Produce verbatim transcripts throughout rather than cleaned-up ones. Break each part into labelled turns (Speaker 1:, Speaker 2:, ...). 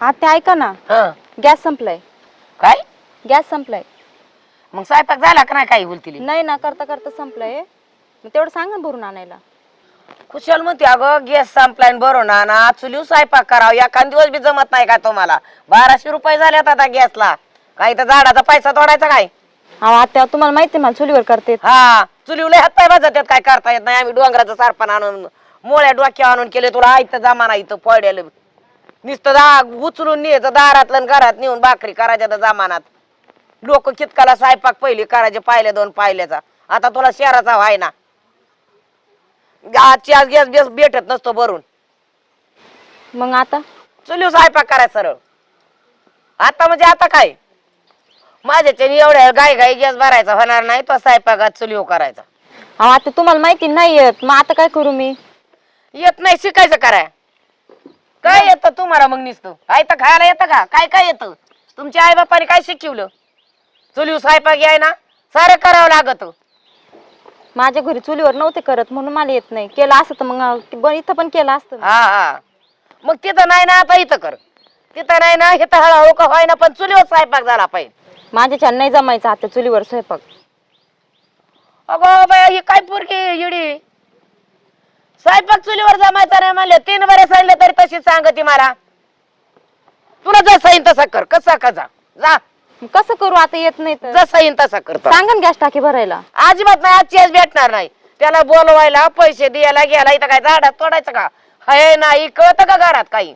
Speaker 1: हा ते ऐका ना,
Speaker 2: हं.
Speaker 1: गॅस संपलाय.
Speaker 2: काय
Speaker 1: गॅस संपलाय.
Speaker 2: मग स्वयंपाक झाला का नाही काही बोलतील
Speaker 1: नाही ना, करता करता संपलाय. मग तेवढं सांग ना भरून आणायला.
Speaker 2: कुशल म्हणते अगं गॅस संपलाय बरोबर ना ना चुलीव स्वयंपाक करावं एखाद दिवस बी जमत नाही का तुम्हाला. बाराशे रुपये झालेत आता गॅसला. काही तर झाडाचा पैसा तोडायचा काय.
Speaker 1: अहो आत्या तुम्हाला माहिती मला चुलीवर करते.
Speaker 2: हा चुलीवले हात पाय भाजतात काय करता येत नाही. आम्ही डोंगराचं सारपण आणून मोळ्या डोक्या आणून केले तुला आयत जमाना इथं पडेल नुसतं दा उचलून न्यायचं दारातलं आणि घरात नेऊन भाकरी करायच्या त्या जमानात. लोक कितकाला स्वयंपाक पहिली करायचे पाहिल्या दोन पाहिल्याचा. आता तुला शहराचा व्हाय ना आजची आज गॅस गॅस भेटत नसतो भरून.
Speaker 1: मग आता
Speaker 2: चुलीव स्वयंपाक करायचा सरळ. आता म्हणजे आता काय माझ्याच्याने एवढ्या गाय गाई गॅस भरायचा होणार नाही तो स्वयंपाकात चुलीव करायचा.
Speaker 1: अहो आता तुम्हाला माहिती नाही येत मग आता काय करू मी.
Speaker 2: येत नाही शिकायचं कराय. काय येतं तुम्हाला मग नुसतं काय तर खायला येतं का काय काय येतं. तुमच्या आई बापाने काय शिकवलं. चुलीव स्वयंपाक याय ना सारं करावं लागत.
Speaker 1: माझ्या घरी चुलीवर नव्हते करत म्हणून मला येत नाही. केलं असतं तर मग इथं पण केलं असतं.
Speaker 2: हा हा मग तिथं नाही ना आता इथं कर. तिथं नाही ना इथं हळूहळू का व्हाय ना पण चुलीवर स्वयंपाक झाला पाहिजे.
Speaker 1: माझ्या नाही जमायचं आता चुलीवर स्वयंपाक.
Speaker 2: अगो बाय ही काय पोरगी येडी. स्वयंपाक चुलीवर जमायचा नाही म्हणले तीन बरे सांगितले तरी तशीच सांगते मला. तुला जसं येईन तसं कर कसा कसा जा.
Speaker 1: कसं करू आता येत नाही तर.
Speaker 2: जसं येईन तसा कर.
Speaker 1: सांगा गॅस टाकी भरायला.
Speaker 2: अजिबात नाही आजची आज भेटणार नाही. त्याला बोलवायला पैसे द्यायला घ्यायला इथं काय झाडात तोडायचं का हे नाही कळतं का घरात काही.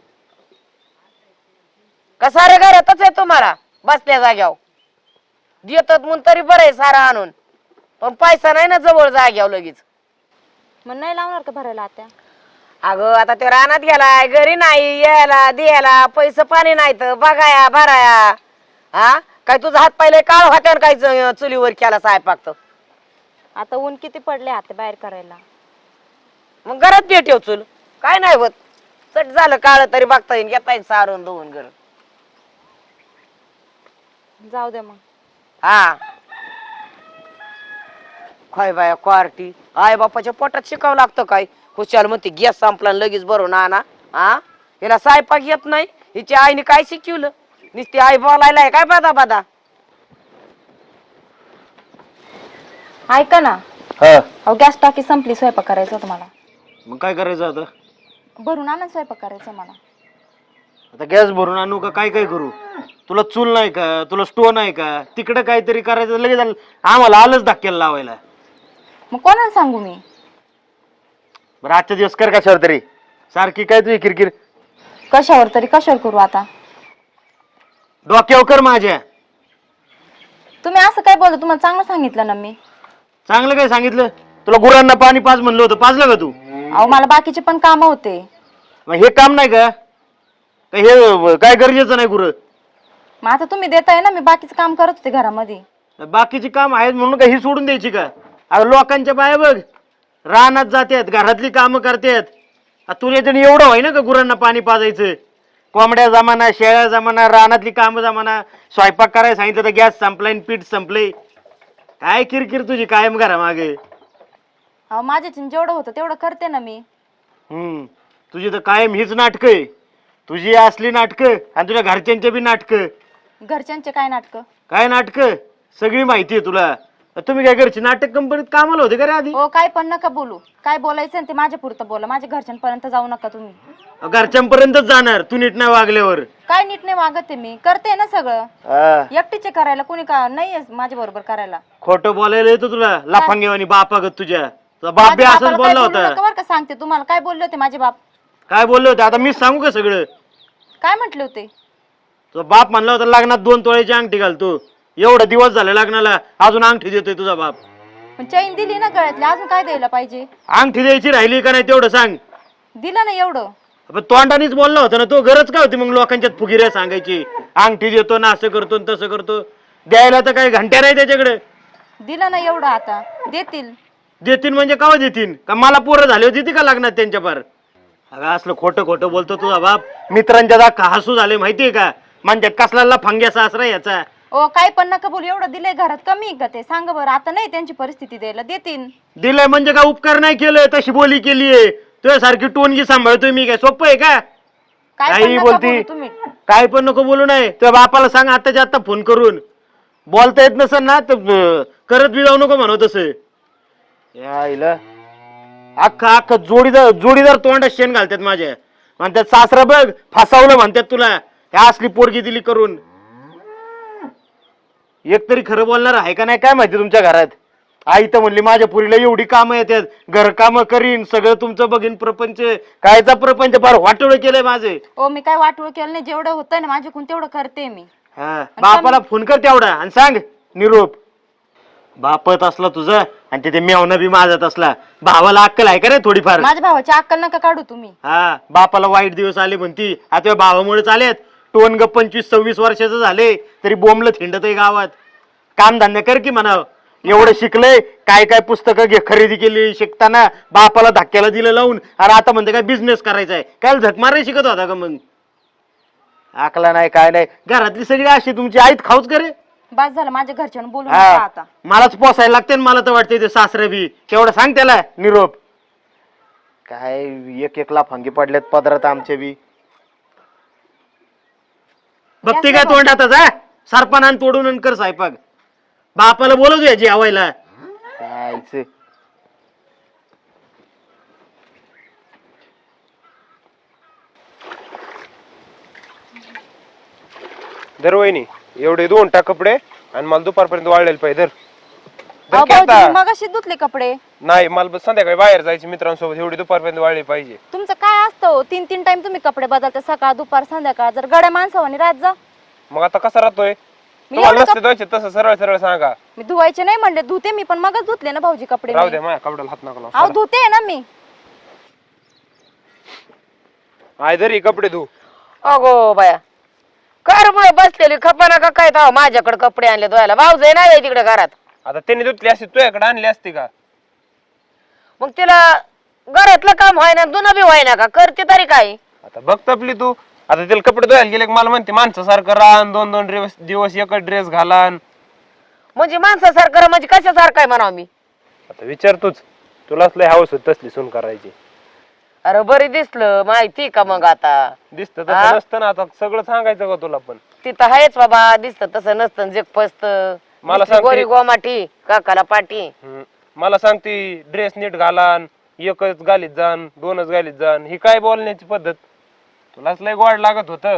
Speaker 2: का सारे घरातच आहे तुम्हाला बसल्या जाग्यावर देतात म्हणून तरी बरं आहे सारा आणून. पण पैसा नाही ना जवळ जाग्यावर लगेच.
Speaker 1: मग नाही लावणार का भरायला आता.
Speaker 2: अगं आता ते रानात गेलाय घरी नाही यायला द्यायला पैसे पाणी नाही तर बघाया भराया. हा काय तुझा हात पाहिले काळ होत्या काय चुलीवर केला स्वयंपाक तर.
Speaker 1: आता ऊन किती पडले आता बाहेर करायला.
Speaker 2: मग घरात दे ठेव चूल काय नाही होत. चट झालं काळ तरी बघता येईल घेता येईल सारून धुवून घर.
Speaker 1: जाऊ दे मग.
Speaker 2: हा काय बाया क्वार्टी आई बापाच्या पोटात शिकावं लागतं काय. खुशाल म्हणते गॅस संपला लगेच भरून आणा. हा हिला स्वयंपाक येत नाही. हिच्या आईने काय शिकवलं नुसती आई बोलायला काय बादा बादा.
Speaker 1: ऐका ना अहो गॅस टाकी संपली स्वयंपाक करायचा होता मला.
Speaker 3: मग काय करायचं आता.
Speaker 1: भरून आणा स्वयंपाक करायचा मला.
Speaker 3: आता गॅस भरून आणू का काय काय करू. तुला चूल नाही का तुला स्टोव नाही का तिकडे काहीतरी करायचं लगेच आम्हाला आलंच धक्क्याला लावायला.
Speaker 1: मग कोणाला सांगू मी.
Speaker 3: बरं आजच्या दिवस कर कशावर तरी सारखी काय तुझी किरकिर.
Speaker 1: कशावर तरी कशावर करू आता.
Speaker 3: डोक्यावर कर माझ्या.
Speaker 1: तुम्ही असं काय बोलता तुम्हाला चांगलं सांगितलं ना मी.
Speaker 3: चांगलं काय सांगितलं तुला गुरांना पाणी पाज म्हणलं होतं पाजलं का तू.
Speaker 1: अहो मला बाकीचे पण काम होते.
Speaker 3: मग हे काम नाही का का हे काय गरजेचं नाही गुरं.
Speaker 1: मग आता तुम्ही देताय ना मी बाकीचं काम करत होते घरामध्ये.
Speaker 3: बाकीची काम आहेत म्हणून का ही सोडून द्यायची का. अरे लोकांच्या बाया बघ रानात जातात घरातली कामं करतात. तुला तरी एवढं व्हाय ना का गुरांना पाणी पाजायचं. कोंबड्या जमाना शेळ्या जमाना रानातली कामं जमाना स्वयंपाक करायला सांगितलं तर गॅस संपलाय पीठ संपले. काय किरकिर तुझी कायम घरा मागे.
Speaker 1: अहो माझ्याच्या जेवढं होतं तेवढं करते ना मी.
Speaker 3: हम्म तुझी तर कायम हीच नाटकं आहे. तुझी असली नाटकं आणि तुझ्या घरच्यांचे बी नाटकं.
Speaker 1: घरच्यांचे काय नाटकं.
Speaker 3: काय नाटकं सगळी माहिती आहे तुला. तुम्ही काय घरची नाटक कंपनीत कामाला होते का रे आधी.
Speaker 1: हो काय पण नका बोलू. काय बोलायचं ते माझ्या पुरतं बोला. माझ्या घरच्यांपर्यंत जाऊ नका तुम्ही.
Speaker 3: घरच्यांपर्यंतच जाणार तू नीट नाही वागल्यावर.
Speaker 1: काय नीट नाही वागते मी करते ना सगळं.
Speaker 3: हा
Speaker 1: एकटीचे करायला कोणी का नाही माझ्या बरोबर करायला.
Speaker 3: खोटं बोलायला येतो तुला लाफांगेवानी बापागत तुझ्या. तुझा बाप बी
Speaker 1: माझ्या
Speaker 3: असंच
Speaker 1: बापाला काय
Speaker 3: बोलला
Speaker 1: बोलू
Speaker 3: होता.
Speaker 1: नका बरं का सांगते तुम्हाला. काय बोलले होते माझे बाप.
Speaker 3: काय बोलले होते आता मीच सांगू का सगळं.
Speaker 1: काय म्हटले होते.
Speaker 3: तुझा बाप म्हणला होता लग्नात दोन तोळ्याची अंगठी घालतो. एवढा दिवस झाले लग्नाला अजून अंगठी देतोय तुझा बाप.
Speaker 1: पण चैन दिली ना गळ्यातली अजून काय द्यायला पाहिजे.
Speaker 3: अंगठी द्यायची राहिली का नाही तेवढं सांग.
Speaker 1: दिलं ना एवढं.
Speaker 3: पण तोंडानेच बोलला होता ना तो. गरज काय होती मग लोकांच्यात फुगिऱ्या सांगायची अंगठी देतो ना असं करतो तसं करतो. द्यायला तर काही घंट्या नाही त्याच्याकडे.
Speaker 1: दिलं ना एवढं आता देतील.
Speaker 3: देतील म्हणजे कावा देतील का मला पोरं झाले होती का लग्नात त्यांच्या पार. अगं असलं खोटं खोटं बोलतो तुझा बाप. मित्रांच्या दाखा हसू झाले माहितीये का. म्हणजे कसला फंग्या सासरा याचा.
Speaker 1: ओ काय पण नका बोलू. एवढं दिलंय घरात कमी का ते सांग बरं. आता नाही त्यांची परिस्थिती द्यायला देतील.
Speaker 3: दिलंय म्हणजे का उपकार नाही केलं तशी बोली केलीये. तुझ्यासारखी टोनगी सांभाळतोय मी काय सोपं आहे का.
Speaker 1: काय पण
Speaker 3: काही
Speaker 1: नका
Speaker 3: बोलती
Speaker 1: बोलू तुम्ही.
Speaker 3: काय पण नको बोलू नाही तर बापाला सांग आताच्या आता फोन करून. बोलता येत नसेल ना तर अं, करत बी जाऊ नको म्हणू तसं. यायला अख्खा अख्खा जोडीदार जोडीदार तोंडात शेण घालतात माझ्या. म्हणतात सासरा बघ फसावलं म्हणतात तुला, ह्या असली पोरगी दिली करून. एक तरी खरं बोलणार आहे का नाही काय माहिती तुमच्या घरात. आई तर म्हणली माझ्या पुरीला एवढी कामं येतात, घर कामं करीन, सगळं तुमचं बघीन, प्रपंच कायचा प्रपंच फार वाटोळ केलंय माझे.
Speaker 1: ओ मी काय वाटोळ केलं नाही, जेवढं होतंय ना माझ्याकडून तेवढं करते मी.
Speaker 3: हा बापाला फोन कर तेवढा आणि सांग निरोप. बापत असला तुझं आणि तिथे मेवना बी माझत असला. भावाला अक्कल आहे का रे थोडीफार.
Speaker 1: माझ्या भावाची अक्कल नका काढू तुम्ही.
Speaker 3: हा बापाला वाईट दिवस आले म्हणती, आता भावामुळेच आलेत. टोन ग पंचवीस सव्वीस वर्षाचं झाले तरी बोंबलं थिंडत आहे गावात. काम धंदा कर की म्हणाव. एवढं शिकलंय, काय काय पुस्तकं घे खरेदी केली शिकताना, बापाला धक्क्याला दिलं लावून, आणि आता म्हणते काय बिझनेस करायचा आहे. काय झक मारायला शिकत होता का मग. आकला नाही काय नाही. घरातली सगळी अशी तुमची आईत खाऊच करे.
Speaker 1: बस झालं माझ्या घरच्यानं बोलू नका
Speaker 3: हा
Speaker 1: आता.
Speaker 3: मलाच पोसायला लागते ना, मला तर वाटते ते सासरे बी तेवढं सांग त्याला निरोप. काय एक एक लाफांगी पडल्यात पदरात आमचे बी. बघते काय तोंडातच हा सरपणान तोडून आणि कर स्वयंपाक. बापाला बोलवतो या जेवायला. कायच
Speaker 4: धर वहिनी एवढे दोन टाक कपडे आणि मला दुपारपर्यंत वाळलेले पाहिजे. धर धर
Speaker 1: अहो
Speaker 4: की आता.
Speaker 1: भाऊजी, मगाशी धुतले कपडे.
Speaker 4: नाही मला बस संध्याकाळी बाहेर जायचे मित्रांसोबत, एवढी दुपारपर्यंत वाळले पाहिजे.
Speaker 1: तुमचं काय असतं तीन तीन टाइम तुम्ही कपडे बदलता, सकाळ दुपार संध्याकाळ. जर गड्या माणसावानी राहत जा.
Speaker 4: मग आता कसा राहतोय
Speaker 1: मी
Speaker 4: तुम्हाला
Speaker 1: एवढं
Speaker 4: नसते द्यायचे तसं सरळ सरळ सांगा.
Speaker 1: मी धुवायचे नाही म्हणले, धुते मी, पण मगच धुतले ना भाऊजी कपडे.
Speaker 4: राहू
Speaker 1: मी.
Speaker 4: दे माझ्या कपड्याला हात नका लावू.
Speaker 1: अहो धुते ना मी.
Speaker 4: आय धर हे कपडे धू.
Speaker 2: अगो बाया कर मग बसलेली खपाना का काय थाव माझ्याकडे कपडे आणले धुवायला. भाऊ जाई नाही तिकडे घरात.
Speaker 4: आता त्यांनी धुतली असती तुझ्याकडे आणली असती का.
Speaker 2: मग तिला घरातलं काम व्हायना दुना बी व्हायना का, करते तरी काय.
Speaker 4: आता बघ तपली तू. आता तिला कपडे धुवायला गेले की मला म्हणते माणसासारखं राहन, दोन दोन दिवस दिवस एकच ड्रेस घालान.
Speaker 2: म्हणजे माणसासारखं म्हणजे कशासारखं आहे म्हणावं मी.
Speaker 4: आता विचार तूच, तुलाच लय हवस होत तसली सून करायची.
Speaker 2: अरे बरी दिसलं माहिती का मग आता.
Speaker 4: दिसत
Speaker 2: हा?
Speaker 4: तसं नसतं ना. आता सगळं सांगायचं का तुला पण.
Speaker 2: तिथं आहेच बाबा, दिसत तसं नसतं जग फसत.
Speaker 4: मला सांगते-
Speaker 2: गोरी गोमाटी काकाला पाठी.
Speaker 4: हम्म. मला सांगती ड्रेस नीट घालान, एकच गालीत जाण, दोनच गालीत जाण, ही काय बोलण्याची पद्धत. तुलाच लय गोड लागत होत.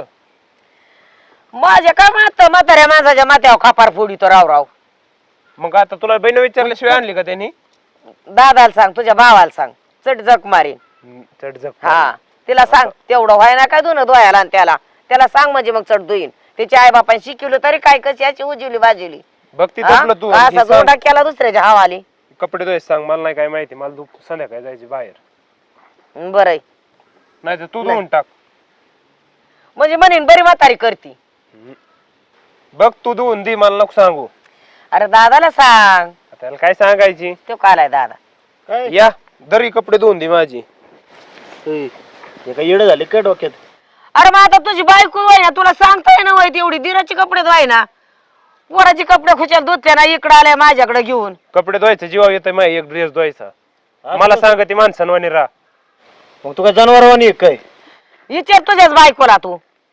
Speaker 2: माझ्या काय मात म्हाताऱ्या माणसाच्या माथ्यावर खापार फोडी तो राव राव.
Speaker 4: मग आता तुला बहिण विचारल्याशिवाय आणली का त्यांनी.
Speaker 2: दादाला सांग, तुझ्या भावाला सांग, चट जक मारीन.
Speaker 4: हम्म, चट झक.
Speaker 2: हा तिला सांग तेवढं व्हाय ना काय धुणं धुवायला. आणि त्याला त्याला सांग म्हणजे मग चट धुईन. त्याच्या आई बापाने शिकवलं तरी काय, कशी याची उजिवली बाजूली.
Speaker 4: बघ ती
Speaker 2: हा?
Speaker 4: तपलं तू.
Speaker 2: का
Speaker 4: हे
Speaker 2: असा
Speaker 4: सांग,
Speaker 2: जोडा केला दुसऱ्याच्या हवाली.
Speaker 4: कपडे धुवायचे सांग. मला नाही काय माहिती. मला दु संध्याकाळी जायची बाहेर.
Speaker 2: बरं
Speaker 4: नाही तर तू धुवून टाक.
Speaker 2: म्हणजे म्हणेन बरी म्हातारी करती.
Speaker 4: हम्म. बघ तू धुवून दे, मला नको सांगू.
Speaker 2: अरे दादाला सांग.
Speaker 4: आता त्याला काय सांगायची.
Speaker 2: तो कालाय दादा.
Speaker 3: काय
Speaker 4: या दरी कपडे धुवून दे माझी.
Speaker 3: हे काय येडं झाले काय डोक्यात.
Speaker 2: अरे मग आता तुझी बायको वय ना, तुला सांगता येणं वय तेवढी दिराची कपडे धुवाय ना. पोराची कपडे खुशाल धुतल्या ना, इकडे आलाय माझ्याकडे घेऊन.
Speaker 4: कपडे धुवायचे जीवा येतोय माझ्या एक ड्रेस धुवायचा. मला सांग ती माणसांवानी राहा.
Speaker 3: मग तू काय जनावरवाणी आहे काय.
Speaker 2: विचार तुझ्याच बायकोला तू.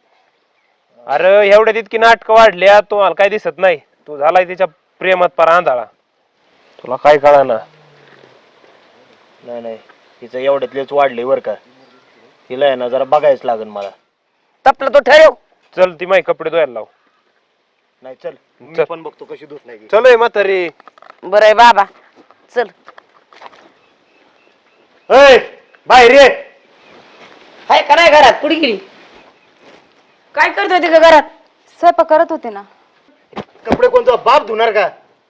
Speaker 4: अरे एवढ्या इतकी नाटकं वाढल्या तुम्हाला काय दिसत नाही. तू झालाय तिच्या प्रेमात पार आंधळा. तुला काय कळाना.
Speaker 3: नाही नाही तिचं एवढ्यातलेच वाढले बर का. तिला आहे ना जरा बघायच लागेल मला.
Speaker 2: तपलं तो ठरव.
Speaker 4: चल ती माझे कपडे धुवायला लाव.
Speaker 3: नाही चल
Speaker 4: चल.
Speaker 3: मी पण बघतो कशी धुत नाही.
Speaker 4: चल ए म्हातारी.
Speaker 2: बरं आहे बाबा चल.
Speaker 3: ए बाहेर ये.
Speaker 2: हाय का नाही घरात, कुठे गेली. काय करत होती का घरात.
Speaker 1: स्वयंपाक करत होते ना.
Speaker 3: कपडे कोणता बाप धुणार का.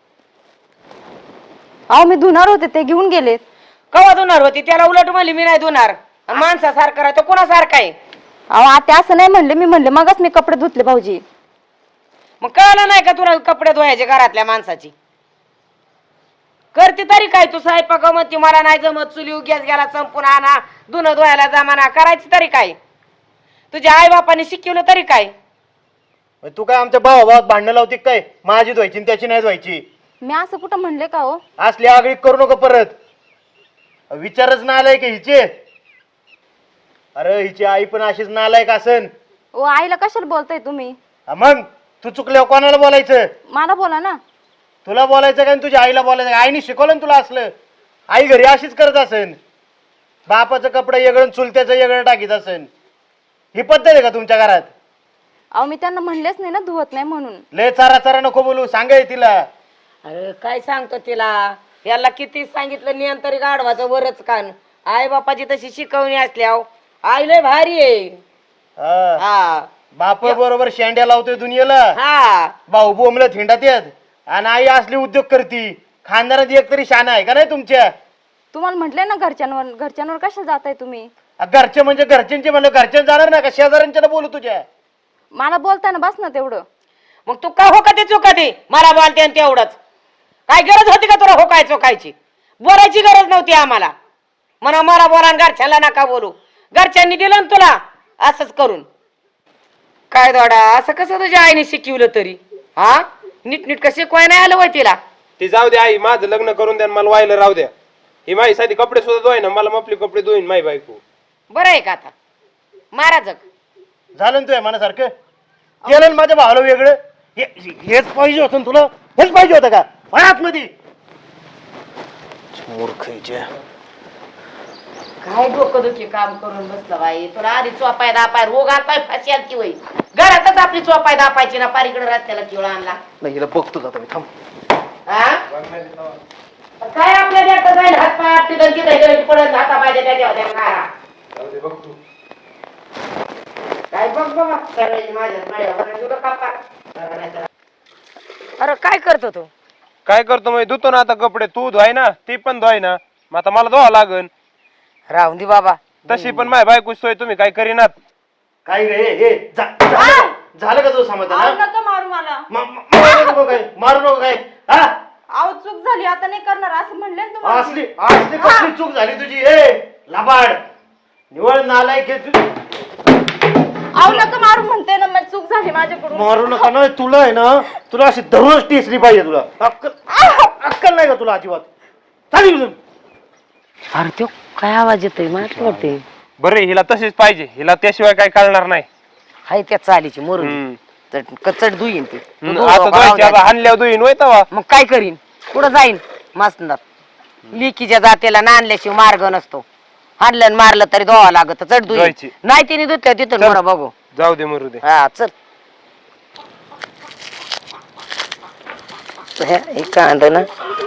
Speaker 1: अहो मी धुणार होते, ते घेऊन गेलेत.
Speaker 2: कवा धुणार होती त्याला उलट म्हणली मी नाही धुणार. आणि माणसासारखा राहतो कोणासारखा आहे.
Speaker 1: अहो आता असं नाही म्हणले, मी म्हणले मगच मी कपडे धुतले भाऊजी.
Speaker 2: मग कळलं नाही का तुला कपडे धुवायचे घरातल्या माणसाची. करते तरी काय तू स्वयंपाक म्हणती मला नाही जमत, चुली गॅस गेला संपून आणा, धुणं धुवायला जमाना, करायची तरी काय. तुझ्या आई बापाने शिकवलं तरी काय.
Speaker 3: तू काय आमच्या भावा भावात भांडणं लावती काय. माझी धुवायची आणि त्याची नाही धुवायची.
Speaker 1: मी असं कुठं म्हणले का हो.
Speaker 3: असली आगळीक करू नको परत. विचारच ना आलाय की हिचे. अरे हिची आई पण अशीच नालायक असन.
Speaker 1: ओ आईला कशाला बोलताय तुम्ही?
Speaker 3: हा मग तू चुकल्यावर कोणाला बोलायचं?
Speaker 1: मला बोला ना.
Speaker 3: तुला बोलायचं काय तुझ्या आईला बोलायचं? आईने शिकवलं ना तुला असलं? आई घरी अशीच करत असेल. बापाचं कपडे वेगळं चुलत्याचं वेगळं टाकीत असेल. ही पद्धत आहे का तुमच्या घरात?
Speaker 1: अहो मी त्यांना म्हणलेच नाही ना धुवत नाही म्हणून.
Speaker 3: लय चारा चारा नको बोलू, सांगाय तिला.
Speaker 2: अरे काय सांगतो तिला, याला किती सांगितलं नियम तरी गाढवाचं वरच कान. आई बापाची तशी शिकवणी असल्यावर आई लय भारी आहे.
Speaker 3: हा.
Speaker 2: हा
Speaker 3: बाप बरोबर शेंड्या लावतोय दुनियेला.
Speaker 2: हा
Speaker 3: भाऊ बोमलं थिंडात येत आणि आई असली उद्योग करती. खानदारात एक तरी शान आहे का नाही तुमच्या?
Speaker 1: तुम्हाला म्हटले ना घरच्यांवर, घरच्यांवर कशाला जाताय तुम्ही?
Speaker 3: आ, घरचे म्हणजे घरच्यांचे म्हणलं घरच्यां जाणार ना का शेजाऱ्यांच्या बोलू तुझ्या?
Speaker 1: मला बोलताना बस ना तेवढं.
Speaker 2: मग तू का हो का ते चुका ते मला बोलते आणि तेवढंच. काय गरज होती का तुला हो काय चुकायची? बोलायची गरज नव्हती आम्हाला. म्हणा मला बोला आणि घरच्याला नका बोलू. घरच्यांनी दिलं ना तुला असंच करून. काय दोडा असं कसं तुझ्या आईने शिकवलं तरी? हा नीट नीट कशी शिकवाय नाही आलं वय तिला?
Speaker 4: ती जाऊ द्या आई, माझं लग्न करून द्या आणि मला व्हायला राहू द्या. ही माझी साधी कपडे सुद्धा धुवाय ना, मला आपले कपडे धुईन माई बायको.
Speaker 2: बरं आहे का आता? मारा जग
Speaker 3: झालं ना तुझ्या मनासारखं? केलं ना माझ्या भावाला वेगळं? हे- हेच पाहिजे होतं ना तुला? हेच पाहिजे होतं का? आत मध्ये मूर्खाच्या.
Speaker 2: काय डोकं दुखी काम करून बसलं बाई. तुला आधी चोपाय दापाय रोग आलाय फाशी आली वय. घरातच आपली चोपाय दापायची ना, पारीकडे रस्त्याला किवळा आणला.
Speaker 3: नाही हिला बघतो आता मी, थांब.
Speaker 2: हा? काय आपल्या देतात जाईल हात पाय आपली दंती दही पडत हाता पाहिजे त्याच्या होत्या कारा. काय बघ बाबा करायची माझ्या माझ्या तुला कापा. अरे काय करतो तू?
Speaker 4: काय करतो मग? धुतो ना आता कपडे. तू धुवाय ना, ती पण धुवाय ना, मग आता मला धुवा लागन.
Speaker 2: राहून दे बाबा.
Speaker 4: तशी पण माझ्या बायको सोय तुम्ही काय करीनात.
Speaker 3: काय गे हे झा- झालं झालं का तुझं समाधान?
Speaker 1: अहो,
Speaker 3: हा?
Speaker 1: नका मारू मला.
Speaker 3: मा- मा- मारू नको काय, मारू नको काय. हा?
Speaker 1: अहो चूक झाली आता नाही करणार असं म्हणले ना तुम्हाला.
Speaker 3: असली असली कसली चूक झाली तुझी? ए लाबाड निवळ नालायक आहे तू.
Speaker 1: अहो नका मारू म्हणते ना, मग चूक झाली माझ्याकडून.
Speaker 3: मारू नका ना. तुला आहे ना, तुला अशी दररोज टिसली पाहिजे. तुला अक्कल अक्कल नाही का तुला अजिबात? चालेल इथून.
Speaker 2: अरे तो काय आवाज येतोय माहिती वाटते.
Speaker 4: बरे हिला तशीच पाहिजे, हिला त्याशिवाय काय कळणार नाही.
Speaker 2: हाय त्या चालीची मोरून
Speaker 4: हम्म.
Speaker 2: कचट धुईन ती. तू
Speaker 4: हम्म,
Speaker 2: धुवं
Speaker 4: आता
Speaker 2: बाबा,
Speaker 4: धुवायची,
Speaker 2: राहू
Speaker 4: आता
Speaker 2: द्या.
Speaker 4: हाणल्यावर धुईन होय तवा.
Speaker 2: मग काय करीन? कुठं जाईन मसनात? लिकीच्या जातेला नांदल्याशिवाय मार्ग नसतो. हाणलं मारलं तरी धुवा लागत चढ धुईन.
Speaker 4: धुवायची.
Speaker 2: नाही तिने धुतल्या तिथून
Speaker 4: चल.
Speaker 2: बरं बघू.
Speaker 4: जाऊ दे मरू दे.
Speaker 2: हा चल. हे कांद ना.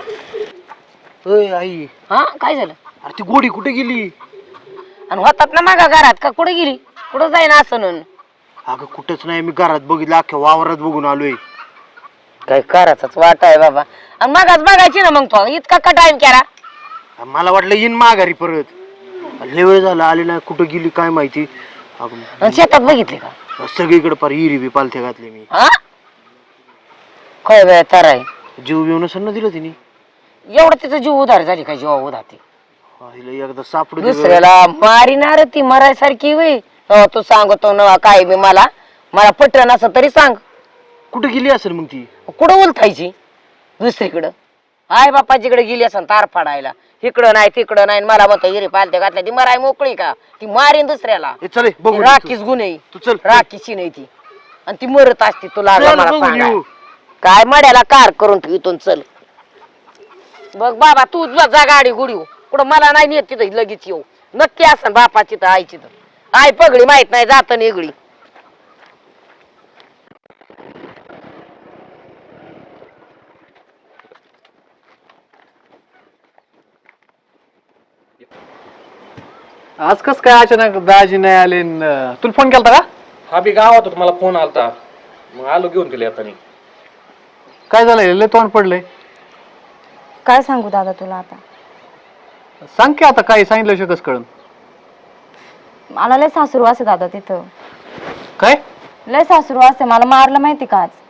Speaker 3: ओय आई,
Speaker 2: हा काय झालं?
Speaker 3: अरे ती गोडी कुठे गेली?
Speaker 2: आणि होतात ना मागा घरात का कुठे गेली? कुठं जाईन असं म्हणून?
Speaker 3: अगं कुठंच नाही, मी घरात बघितलं, अख्ख्या वावरात बघून आलोय.
Speaker 2: काय करायचाच वाट आहे बाबा. आणि मागाच बघायची ना मग तो इतका का टाइम केला?
Speaker 3: मला वाटलं येईन माघारी परत. लय वेळ झाला आली नाही, कुठं गेली काय माहिती. अगं,
Speaker 2: आणि शेतात बघितले का?
Speaker 3: सगळीकडे पार इरी बी पालथे घातले मी.
Speaker 2: हा काय वेळ तर आहे.
Speaker 3: जीव येऊन न दिलं तिने.
Speaker 2: एवढं तिचं जीव उधार झाली काय? जीवा उधार ती
Speaker 3: हिला एकदा सापडू दे.
Speaker 2: दुसऱ्याला मारिनार ती मरायसारखी वय. हो तू सांगतो ना काय बी मला मला पटन असं तरी सांग.
Speaker 3: कुठे गेली असेल मग ती?
Speaker 2: कुठं उलथायची? दुसरीकडं आई बापाजीकडे गेली असं तार फाडायला. इकडं नाही तिकडं नाही. मला म्हणतो हिरे पालते घातल्या ती मराय मोकळी का? ती मारीन दुसऱ्याला.
Speaker 3: ए, चल ए, बघू दे
Speaker 2: राखीच गुन्हे.
Speaker 3: तू चल.
Speaker 2: राखीची नाही ती. आणि ती मरत असती तुला
Speaker 3: चल,
Speaker 2: मला
Speaker 3: बघू
Speaker 2: सांगा.
Speaker 3: येऊ.
Speaker 2: काय मड्याला कार करून ठेवतो चल. बघ बाबा तू जा गाडी गुडी कुठं मला नाही नेत तिथं लगेच येऊ. नक्की असं बापाची तर आईची तर आई पगडी माहित नाही जात निगडी.
Speaker 5: आज कस काय अचानक दाजी नाही आले? न- तुला फोन केलता का?
Speaker 6: हा बी गावात होता, मला फोन आलता, मग आलो घेऊन गेले आता.
Speaker 5: काय झालंय? लय तोंड पडलंय.
Speaker 1: काय सांगू दादा तुला आता?
Speaker 5: सांग की आता, काय सांगितलं कस कळन?
Speaker 1: मला लय सासरू असे दादा तिथं.
Speaker 5: काय?
Speaker 1: लय सासरू असे मला मारलं माहिती का आज?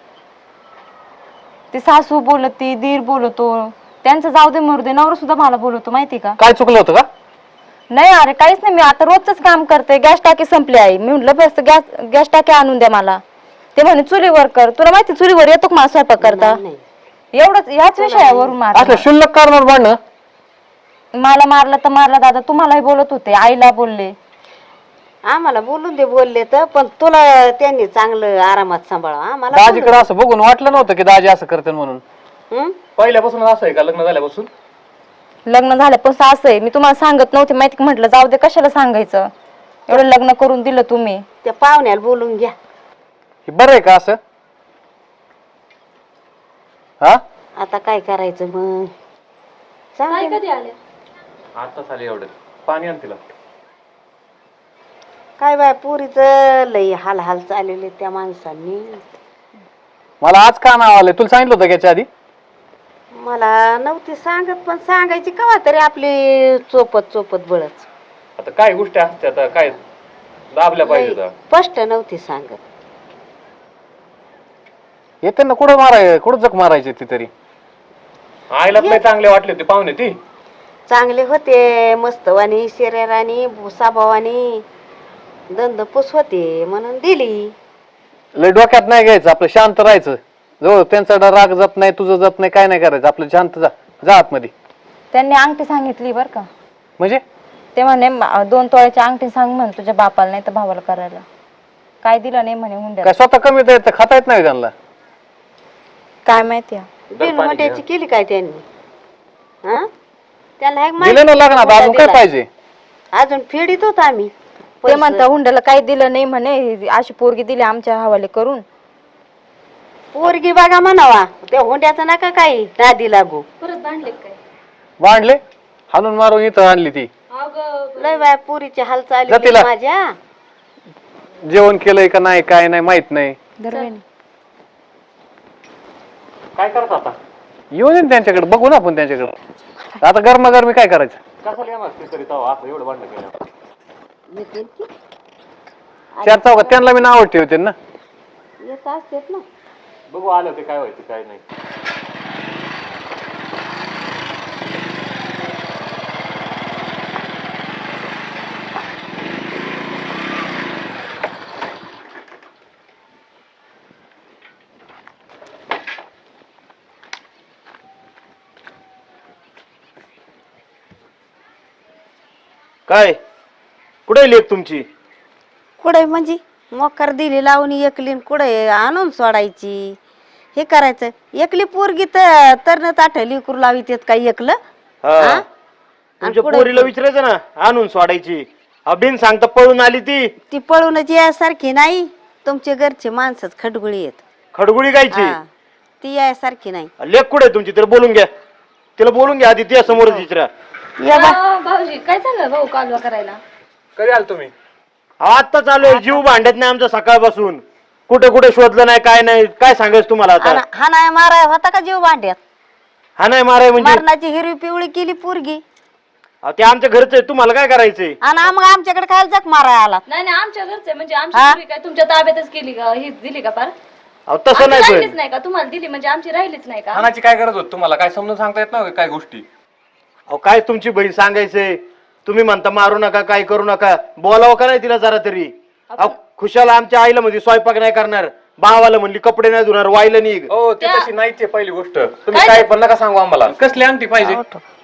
Speaker 1: ती सासू बोलती, दीर बोलतो, त्यांचं जाऊ दे मरू दे, नवरा सुद्धा मला बोलतो माहिती का?
Speaker 5: काय चुकलं होतं का?
Speaker 1: नाही अरे काहीच नाही. मी आता रोजच काम करते. गॅस टाकी संपली आहे. मी म्हटलं बस गॅस गॅस टाकी आणून द्या मला. ते म्हणे चुलीवर कर. तुला माहिती चुलीवर येतो का मला स्वयंपाक करता? एवढंच याच विषयावरून मार.
Speaker 5: असलं शुल्लक कारणावर भांडणं?
Speaker 1: मला मारलं तर मारला दादा. तुम्हालाही बोलत होते, आईला बोलले.
Speaker 7: आम्हाला बोलून दे बोलले तर, पण तुला त्यांनी चांगलं आरामात सांभाळा आम्हाला बोलू
Speaker 5: दाजीकडे असं बघून वाटलं नव्हतं की दाजी असं करते म्हणून.
Speaker 7: दे. हं?
Speaker 5: पहिल्यापासून असं आहे का लग्न झाल्यापासून?
Speaker 1: लग्न झाल्यापासून असं आहे, मी तुम्हाला सांगत नव्हते माहिती का, म्हटलं जाऊ दे कशाला सांगायचं, एवढं लग्न करून दिलं तुम्ही.
Speaker 7: त्या पाहुण्याला बोलून घ्या.
Speaker 5: हे बरं आहे का असं? हा
Speaker 7: आता काय करायचं मग? चांगलं.
Speaker 1: कधी आले?
Speaker 5: आता चालेल एवढं पाणी आण तिला.
Speaker 7: काय बाय पुरीच लई हाल हाल चाललेले त्या माणसांनी.
Speaker 5: मला आज का नाव आलंय तुला सांगितलं होतं का याच्या आधी?
Speaker 7: मला नव्हती सांगत, पण सांगायची कवा तरी आपली चोपत चोपत बळच.
Speaker 5: आता काय गोष्टी असतात आता काय दाबल्या पाहिजे
Speaker 7: लई स्पष्ट नव्हती सांगत.
Speaker 5: येते ना कुठं माराय कुठं जग मारायची ती तरी. आईला नाही चांगले वाटले होते पाहुणे ती.
Speaker 7: चांगले होते, मस्तवानी शरीरानी भुसाभावानी दंदपूस होते म्हणून दिली.
Speaker 5: लय डोक्यात नाही घ्यायचं, आपलं शांत राहायचं. जो त्यांचा राग जात नाही, तुझं जात नाही, काय नाही करायचं, आपलं शांत जा जा आतमध्ये.
Speaker 1: त्यांनी अंगठी सांगितली बर का,
Speaker 5: म्हणजे
Speaker 1: ते म्हणे म- दोन तोळ्याची अंगठी सांग म्हण तुझ्या बापाला नाही तर भावाला करायला. काय दिलं नाही म्हणे हुंड्यात.
Speaker 5: काय स्वतः कमी येत खाता येत नाही त्यांना?
Speaker 1: काय माहिती
Speaker 7: बिनवट्याची केली काय त्यांनी? हा त्याला एक
Speaker 5: दिले ना लग्नात
Speaker 7: माहिती
Speaker 5: अजून काय
Speaker 7: दिला.
Speaker 5: पाहिजे?
Speaker 7: अजून फेडीत होत आम्ही
Speaker 1: ते
Speaker 7: पैसे.
Speaker 1: म्हणता हुंड्याला काही दिलं नाही म्हणे, अशी पोरगी दिली आमच्या हवाले करून.
Speaker 7: पोरगी बघा म्हणावा, त्या हुंड्याचं नका काही नादी लागू.
Speaker 5: भांडले हाणून मारून इथं आणली ती.
Speaker 7: लय बाय पुरीची हाल
Speaker 5: जा
Speaker 7: चालली
Speaker 5: तिला.
Speaker 7: माझ्या.
Speaker 5: जेवण केलंय का नाही काय नाही माहित नाही.
Speaker 1: दरवेळी
Speaker 5: काय करत आता? येऊन येईन त्यांच्याकडे, बघू ना आपण त्यांच्याकडे. आता गरमागरमी काय करायचं? कसं येणार ते तरी तेव्हा असं एवढं भांडण केलं.
Speaker 7: येतील की?
Speaker 5: चार चौकात त्यांना मी नाव ठेवते ना.
Speaker 7: येत असतेत ना.
Speaker 5: बघू आलं ते काय व्हायचं काय नाही.
Speaker 3: काय कुठे लेख तुमची?
Speaker 7: कुठे म्हणजे मोकर दिली लावून एकली कुठे आणून सोडायची. हे करायचं एकली पोरगी तर तरण ताठली करू लावित काही एकलं.
Speaker 3: हा.
Speaker 7: हा?
Speaker 3: तुमच्या
Speaker 7: कुठे-
Speaker 3: पोरीला विचारायचं ना, आणून सोडायची. अभिन सांगता पळून आली ती.
Speaker 7: ती पळूनच यासारखी नाही. तुमचे घरचे माणसच खडगुळी आहेत.
Speaker 3: खडगुळी गायची.
Speaker 7: हा. ती यासारखी नाही.
Speaker 3: लेख कुठे तुमची? तिला बोलून घ्या, तिला बोलून घ्या आधी, त्या समोर विचारा.
Speaker 7: या बा.
Speaker 1: भाऊजी काय झालं भाऊ कालवा करायला?
Speaker 5: कधी आल तुम्ही?
Speaker 3: आता चालू आहे, जीव भांडत नाही आमचा सकाळपासून. कुठे कुठे शोधलं नाही काय नाही, काय सांगायचं तुम्हाला आता?
Speaker 7: आणि हा नाही माराय होता का जीव भांड्यात?
Speaker 3: हा नाही माराय म्हणजे?
Speaker 7: मरणाची हिरवी पिवळी केली पोरगी.
Speaker 3: अहो, ते आमच्या घरचं आहे, तुम्हाला काय करायचंय?
Speaker 7: आणि मग आमच्याकडे काय जग माराय आला?
Speaker 8: नाही नाही आमच्या घरचे म्हणजे
Speaker 7: हा?
Speaker 8: आमची पोरी काय तुमच्या ताब्यातच केली का? ही दिली का पार?
Speaker 3: अहो तसं
Speaker 8: आमची
Speaker 3: नाही
Speaker 8: राहिलीच
Speaker 3: पण.
Speaker 8: नाही का? तुम्हाला दिली म्हणजे आमची राहिलीच नाही का?
Speaker 6: हाणाची काय गरज होती तुम्हाला? काय समजून सांगता येत नाही काय गोष्टी?
Speaker 3: अहो काय तुमची बहीण सांगायचंय, तुम्ही म्हणता मारू नका काय करू नका, बोलावं का नाही तिला जरा तरी? अहो खुशाला आमच्या आईला म्हणजे स्वयंपाक नाही करणार, भावाला म्हणली कपडे नाही धुणार, वाईला निघ.
Speaker 6: हो ते तशी नाहीच आहे पहिली गोष्ट. तुम्ही काय पण नका सांगू आम्हाला. कसली अंगठी पाहिजे?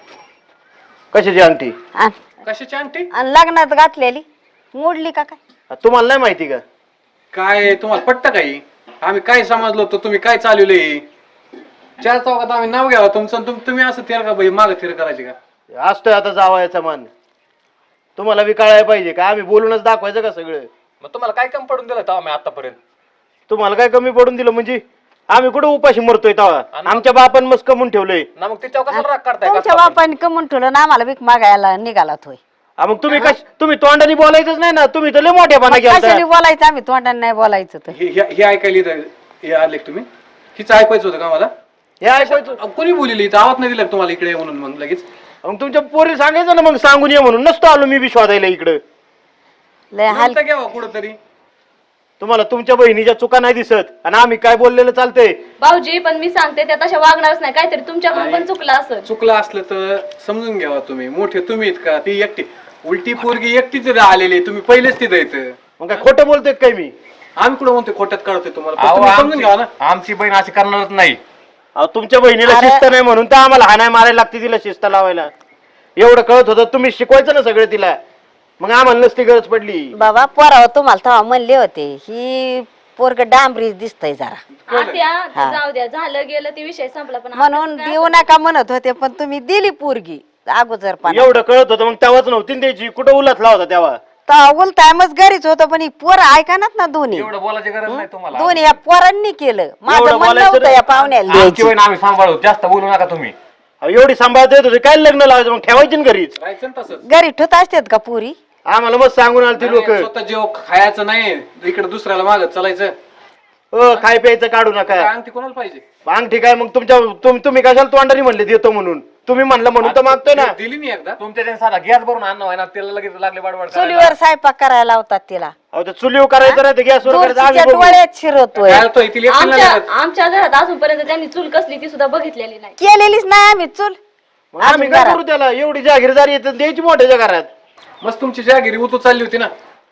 Speaker 3: कशाची अंगठी?
Speaker 7: आण.
Speaker 6: कशाची अंगठी?
Speaker 7: आणि लग्नात घातलेली मोडली का काय?
Speaker 3: तुम्हाला नाही माहिती का?
Speaker 5: काय तुम्हाला पटतं काही? आम्ही काय समजलो होतो, तुम्ही काय चालवलंय? चार चौकात आम्ही नाव घ्यावं तुमचं आणि तुम- तुम्ही असं तेर का बाई माग थिर करायची का?
Speaker 3: असतोय आता जावयाचा मान, तुम्हाला बी कळायला पाहिजे का? आम्ही बोलूनच दाखवायचं का सगळं?
Speaker 6: मग तुम्हाला काय कम पडून दिलं तेव्हा आम्ही आतापर्यंत?
Speaker 3: तुम्हाला काय कमी पडून दिलं म्हणजे? आम्ही कुठं उपाशी मरतोय तेव्हा? आमच्या बापान मस्त कमवून ठेवलंय.
Speaker 6: ना मग तिच्यावर कशाला राग करताय?
Speaker 7: तुमच्या
Speaker 6: कसला पण?
Speaker 7: बापाने कमून ठेवलं ना आम्हाला भीक मागायला निघाला होय.
Speaker 3: हा, मग तुम्ही कश तुम्ही तोंडाने बोलायचंच नाही ना, तुम्ही तर लय मोठ्यापणा
Speaker 7: कशाने
Speaker 3: केला.
Speaker 7: बोलायचं आम्ही तोंडाने नाही बोलायचं तर.
Speaker 5: हे हे- हे ऐकायला इथं हे आले का तुम्ही? हिचं ऐकायचं होतं का मला?
Speaker 3: हे ऐकायचं.
Speaker 5: अहो, कोणी बोलली इथं? आवाज नाही दिला का तुम्हाला इकडे ये म्हणून मग लगेच?
Speaker 3: मग तुमच्या पोरी सांगायचं ना, मग सांगून ये म्हणून. नसतो आलो मी बी शोधायला इकडं.
Speaker 7: लय हाल.
Speaker 5: नंतर घ्यावं कुठंतरी.
Speaker 3: तुम्हाला तुमच्या बहिणीच्या चुका नाही दिसत आणि आम्ही काय बोललेलं चालतंय?
Speaker 8: भाऊजी पण मी सांगते त्या तशा वागणारच नाही. काहीतरी तुमच्याकडून पण चुकलं असं.
Speaker 5: चुकलं असलं तर समजून घ्यावा तुम्ही. मोठे तुम्ही आहेत का? ती एकटी उलटी पोरगी एकटीच आलेली, तुम्ही पहिलेच तिथं येतं.
Speaker 3: मग काय खोटं बोलतोय काय मी?
Speaker 5: आम्ही कुठं म्हणतोय खोट्यात काढतोय तुम्हाला? पण
Speaker 6: अहो,
Speaker 5: तुम्ही समजून
Speaker 6: आमची
Speaker 5: घ्यावा ना.
Speaker 6: आमची बहीण अशी करणारच नाही.
Speaker 3: अहो, तुमच्या बहिणीला
Speaker 7: अरे-
Speaker 3: शिस्त नाही म्हणून तर आम्हाला हाणाय मारायला लागते तिला शिस्त लावायला. एवढं कळत होतं, तुम्ही शिकवायचं ना सगळं तिला. मग आम्हाला नसती गरज पडली.
Speaker 7: बाबा पोराव तुम्हाला तेव्हा म्हणले होते ही पोरग डांबरीच दिसतय जरा
Speaker 8: आत्या ते जाऊ द्या, झालं गेलं ते विषय संपला. पण
Speaker 7: म्हणून देऊ नका म्हणत होते पण तुम्ही दिली पोरगी अगोदर पण
Speaker 3: एवढं कळत होतं मग तेव्हाच नव्हती ना द्यायची. कुठं उलटला होता तेव्हा?
Speaker 7: उल टाइमच घरीच होतं पण ही पोरं ऐकानात ना दोन्ही
Speaker 6: एवढं बोलायची गरज नाही तुम्हाला.
Speaker 7: दोन्ही या पोरांनी केलं माझं
Speaker 3: एवढं
Speaker 7: म्हणणं
Speaker 3: बोलायचं
Speaker 7: होतं
Speaker 3: नाही.
Speaker 7: या पाहुण्याला
Speaker 6: आमची
Speaker 7: द्यायची.
Speaker 6: वहीन आम्ही सांभाळू, जास्त बोलू नका तुम्ही.
Speaker 3: अहो, एवढी सांभाळता येत होती काय लग्न लावायचं मग ठेवायची ना घरीच.
Speaker 5: राहायचं ना तसंच.
Speaker 7: घरी ठेवत असतात का पुरी
Speaker 3: आम्हाला मग सांगून आले ते लोक,
Speaker 5: स्वतः जेव खायचं नाही इकडे दुसऱ्याला मागत चालायचं.
Speaker 3: अ काय प्यायचं काढू नका.
Speaker 5: काय अंगठी कोणाला पाहिजे?
Speaker 3: अंगठी काय मग तुमच्या तुम- तुम्ही कशाला तोंडाने म्हणले देतो म्हणून? तुम्ही म्हणलं म्हणून तर मागतो ना.
Speaker 5: दिली नाही एकदा.
Speaker 6: तुमच्या त्यांनी साधा गॅस भरून आणणं आहे ना, त्याला लगेच लागले बडबड करायला.
Speaker 7: चुलीवर स्वयंपाक करायला लावतात तिला
Speaker 3: अहो ते चुलीव करायचं नाही गॅसवर करायचं. आम्ही
Speaker 7: दूरच्या
Speaker 3: बघू.
Speaker 7: डोळ्यात शिरवतोय
Speaker 5: काय होतं, तिला एकटीला
Speaker 8: आमच्या
Speaker 5: लागत.
Speaker 8: आमच्या घरात अजूनपर्यंत त्यांनी चूल कसली ती सुद्धा बघितलेली नाही.
Speaker 7: केलेलीच नाही आम्ही चूल
Speaker 3: मग आम्ही
Speaker 7: अजून
Speaker 3: काय
Speaker 7: घरात.
Speaker 3: करू त्याला? एवढी जागीरदारी येते द्यायची मोठ्याच्या घरात.
Speaker 5: मस्त तुमची जागिरी उतू चालली होती ना.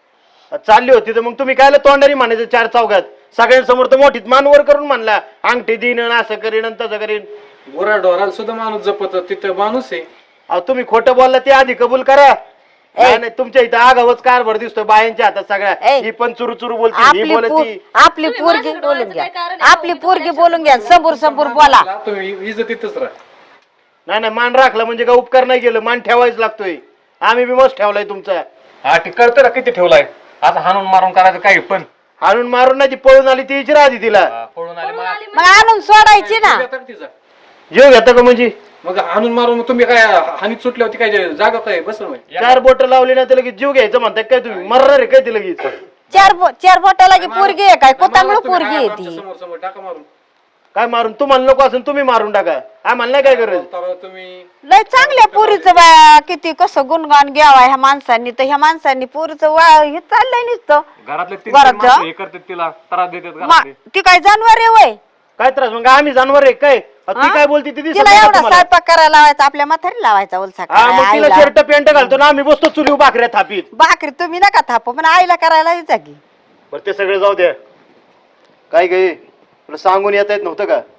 Speaker 3: चालली होती तर मग तुम्ही कायला तोंडाने म्हणायचं चार चौघात? सगळ्यांसमोर तर मोठीत मानवर करून म्हणला अंगठी दिन आणि असं करीन आणि तसं करीन.
Speaker 5: गोरा डोराला सुद्धा माणूस जपत तिथं माणूस आहे.
Speaker 3: अहो तुम्ही खोटं बोलला ते आधी कबूल करा. नाही नाही, तुमच्या इथं आगावच कारभार दिसतोय बायांच्या हातात सगळ्या.
Speaker 7: ए,
Speaker 3: ही पण चुरू चुरू बोलती ही
Speaker 7: आपली
Speaker 3: बोलती.
Speaker 7: पो- आपली
Speaker 8: तुम्ही
Speaker 7: पोरगी
Speaker 8: माझ्याकडे
Speaker 7: बोलून
Speaker 8: डोळ्याचं
Speaker 7: घ्या
Speaker 8: काय कारण आहे?
Speaker 7: आपली
Speaker 8: मी तर
Speaker 7: पोरगी
Speaker 8: माझ्या
Speaker 7: बोलून घ्या समोर समोर बोला
Speaker 5: तुम्ही इज्जतीतच राहा.
Speaker 3: नाही नाही, मान राखला म्हणजे का उपकार नाही केलं. मान ठेवायच लागतोय. आम्ही बी मस्त ठेवलाय तुमचा.
Speaker 6: हा ती कळतं ना किती ठेवलाय. आता हाणून मारून करायचं काही पण.
Speaker 3: हाणून मारून नाही ती पळून आली ती इचरा आधी तिला.
Speaker 6: हा, पळून आले मला.
Speaker 7: मग आणून सोडायची ना
Speaker 5: जीव घेता का तिचा?
Speaker 3: जीव घेता का म्हणजे?
Speaker 5: मग हाणून मारून मग तुम्ही काय हानी सुटल्या होती काय जागा काय बसलं होय?
Speaker 3: चार बोट लावली ना त्याला जीव घ्यायचं म्हणताय काय तुम्ही? मरणार आहे काय ती लगेच?
Speaker 7: चार बो- चार बोटाला की पोरगी आहे काय कोतांगळ
Speaker 5: मारा तुम्ही,
Speaker 7: पोरगी
Speaker 5: हा,
Speaker 7: आहे
Speaker 5: आमच्या
Speaker 7: ती
Speaker 5: समोर समोर टाका मारून.
Speaker 3: काय मारून? तुम्हाला नको असेल तुम्ही मारून टाका. आम्हाला नाही काय गरज.
Speaker 5: तर तुम्ही
Speaker 7: लय चांगल्या पोरीचं बा किती कसं गुणगान घ्यावा ह्या माणसांनी तर ह्या माणसांनी पोरीचं वा हे चाललंय नुसतं
Speaker 6: घरातले तीन
Speaker 7: घरात
Speaker 6: तीन माणसं
Speaker 7: जा.
Speaker 6: हे करतात तिला त्रास देतात
Speaker 7: मा-
Speaker 6: घरातले.
Speaker 7: ती काय जानवर आहे वय
Speaker 3: काय त्रास? मग आम्ही जानवर आहे काय? ती
Speaker 7: हा?
Speaker 3: काय बोलती ती दिसत
Speaker 7: तिला
Speaker 3: नाही का
Speaker 7: एवढा
Speaker 3: तुम्हाला?
Speaker 7: स्वयंपाक करायला लावायचा आपल्या म्हातारी लावायचा उलसा
Speaker 3: हा मग
Speaker 7: करायला,
Speaker 3: तिला
Speaker 7: आईला.
Speaker 3: शर्ट पॅन्ट घालतो ना आम्ही बसतो चुलीव भाकऱ्या थापीत.
Speaker 7: भाकरी तुम्ही नका थापू पण आईला करायला यायचा की
Speaker 3: बरं ते सगळे जाऊ द्या. काय गे तुला सांगून येता येत नव्हतं का?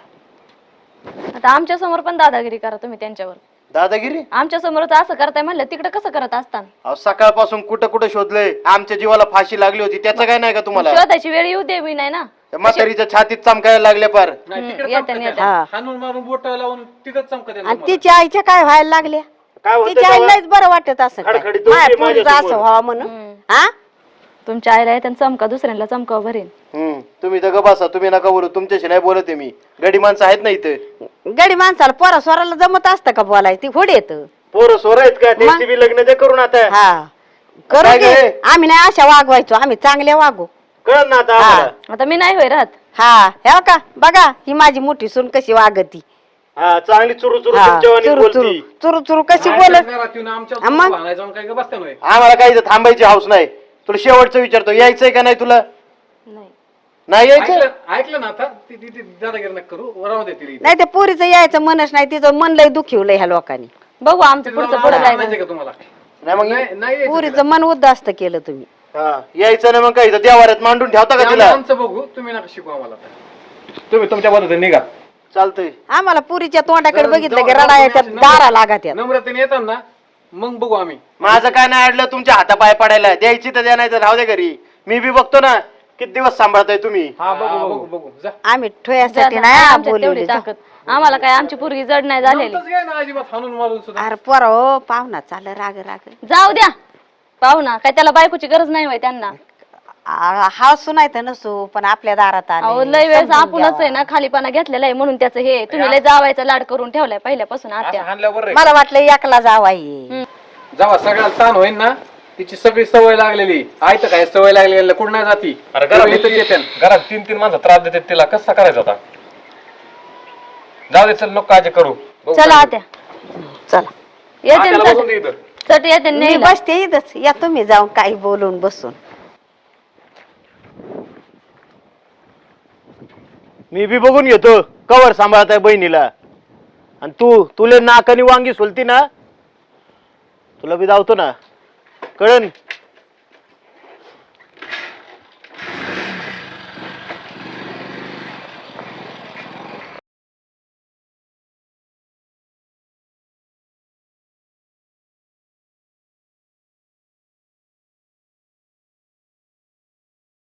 Speaker 8: आता आमच्या समोर पण दादागिरी करा तुम्ही त्यांच्यावर.
Speaker 3: दादागिरी?
Speaker 8: आमच्या समोरच असं करताय म्हणलं तिकडे कसं करत असताना?
Speaker 3: अहो सकाळपासून कुठं कुठं शोधलंय. आमच्या जीवाला फाशी लागली होती त्याचं काय नाही का तुम्हाला?
Speaker 8: शोधायची वेळ येऊ दे मी नाही ना.
Speaker 3: त्या म्हातारीच्या छातीत चमकायला लागल्या पार.
Speaker 5: नाही
Speaker 8: हम्म,
Speaker 5: तिकडे
Speaker 8: येते,
Speaker 5: चमकत
Speaker 8: येते.
Speaker 5: आहे.
Speaker 7: हा.
Speaker 5: हाणून मारून बोट लावून तिथंच चमकत आहे
Speaker 7: आणि
Speaker 5: तुम्हाला.
Speaker 7: तिच्या आईच्या काय व्हायला लागल्या
Speaker 3: काय होतं
Speaker 7: तिच्या
Speaker 3: तेव्हा?
Speaker 7: आईलाच बरं वाटत असं काय.
Speaker 3: खडखडीत होती
Speaker 7: माझ्या पोरीचं
Speaker 3: माझ्यासमोर.
Speaker 7: असं व्हावं म्हणून
Speaker 8: हम्म.
Speaker 7: हा
Speaker 8: तुमच्या आईला येते आणि चमका दुसऱ्यांना चमकाव भरेन.
Speaker 3: हम्म तुम्ही तर बसा. तुम्ही नका बोलू. तुमच्याशी नाही बोलत आहे मी. गडी माणसं आहेत ना इथं.
Speaker 7: गडी माणसाला पोरा स्वराला जमत असतं का बोलायचं ती होड येत
Speaker 3: पोरं सोर आहेत का? त्यांची बी लग्न ते करून आता.
Speaker 7: हा करू
Speaker 3: काय
Speaker 7: की
Speaker 3: गे?
Speaker 7: आम्ही नाही अशा वागवायचो आम्ही चांगल्या वागू
Speaker 3: कळत ना आता
Speaker 7: हा.
Speaker 3: आम्हाला.
Speaker 8: आता मी नाही होय राहत.
Speaker 7: हा हे का बघा ही माझी मोठी सून कशी वागती
Speaker 3: हा चांगली चुरू चुरू
Speaker 7: हा,
Speaker 3: तुमच्या वाणी
Speaker 7: चुरू चुरू
Speaker 3: बोलती.
Speaker 7: चुरू चुरू कशी
Speaker 5: काय
Speaker 7: बोलत
Speaker 5: करणार आहात तुम्ही आमच्या
Speaker 7: हा, मग?
Speaker 5: भांडायला जाऊन काय का बसता नव्हे?
Speaker 3: आम्हाला काही इथं थांबायची हाऊस नाही. तुला शेवटचं विचारतो यायचंय का नाही तुला?
Speaker 8: नाही.
Speaker 3: नाही यायचं?
Speaker 5: ऐकलं ऐकलं ना आता ती ती- ती दादागिरी नका करू राहू दे तिला.
Speaker 7: नाही ते पोरीचं यायचं मनच नाही तिचं मन लय दुखवलंय ह्या लोकांनी
Speaker 8: बघू आमचं पुढचं पुढं काय
Speaker 5: आणायचं का तुम्हाला?
Speaker 3: नाही मग
Speaker 5: नाही नाही यायचं
Speaker 7: पोरीचं मन उद्ध्वस्त केलं तुम्ही
Speaker 3: हा यायचं नाही मग काय इथं देवाऱ्यात मांडून ठेवता
Speaker 5: ते
Speaker 3: का
Speaker 5: आम्ही
Speaker 3: तिला?
Speaker 5: आमचं बघू तुम्ही नका शिकू आम्हाला आता.
Speaker 6: तुम्ही तुमच्या पद्धतीने निघा.
Speaker 3: चालतंय.
Speaker 7: आम्हाला पुरीच्या तोंडाकडे
Speaker 5: जर-
Speaker 7: बघितलं की
Speaker 5: जर-
Speaker 7: रडा
Speaker 5: जर-
Speaker 7: येतात
Speaker 5: नम्र-
Speaker 7: दारा लागत यात.
Speaker 5: नम्रतेने येतात ना मग बघू आम्ही.
Speaker 3: माझं काय नाही अडलं तुमच्या हातापाय पडायला. द्यायची तर द्या नाही तर राहू दे घरी. मी बी बघतो ना किती दिवस सांभाळताय तुम्ही.
Speaker 5: हा बघू बघू बघू जा.
Speaker 7: आम्ही
Speaker 8: जा-
Speaker 7: ठोयासाठी
Speaker 8: जा-
Speaker 7: नाही
Speaker 8: आमच्यात
Speaker 7: बोलवले
Speaker 8: तेवढी ताकद. आम्हाला काय आमची पोरगी जड नाही झालेली.
Speaker 5: नव्हतंच काय ना अजिबात हाणून मारून सुद्धा.
Speaker 7: अरे पोरा हो पाहुणा चाल राग राग
Speaker 8: जाऊ द्या पाहू ना काय त्याला बायकोची गरज नाही होय त्यांना.
Speaker 7: आ- हा सुनायचं नसो पण आपल्या दारात
Speaker 8: अहो
Speaker 7: आले
Speaker 8: लय वेळेस
Speaker 7: समजून
Speaker 8: आपणच आहे
Speaker 7: घ्यावा.
Speaker 8: ना खालीपणा घेतलेला आहे म्हणून त्याचं हे तुम्ही लय जावायचा लाड करून ठेवलाय पहिल्यापासून
Speaker 6: असं
Speaker 8: आत्या.
Speaker 6: हाणल्यावर रे.
Speaker 7: मला वाटलं एकला जावाई
Speaker 5: जेव्हा सगळ्याला ताण होईल ना तिची सगळी सवय लागलेली आयत काय सवय लागलेली कुठं नाही जाती.
Speaker 6: अरे
Speaker 5: तेव्हा
Speaker 6: घरात
Speaker 5: इथंच येते.
Speaker 6: घरात तीन तीन माणसं त्रास देतात तिला. कसं करायचं आता? जाऊ दे चल नको काळजी करू. बघू
Speaker 8: चला
Speaker 6: काय
Speaker 8: आत्या
Speaker 7: चला
Speaker 8: येते
Speaker 6: आत्याला
Speaker 8: ना
Speaker 6: बसून दे
Speaker 8: चट-
Speaker 6: इथं.
Speaker 8: चट येते
Speaker 7: मी
Speaker 8: नेला.
Speaker 7: बसते इथंच या तुम्ही जाऊन काही बोलून बसून
Speaker 3: मी बी बघून घेतो कवर सांभाळताय बहिणीला. आणि तू तुले नाकानी वांगी सोलती ना तुला बी धावतो ना कळन.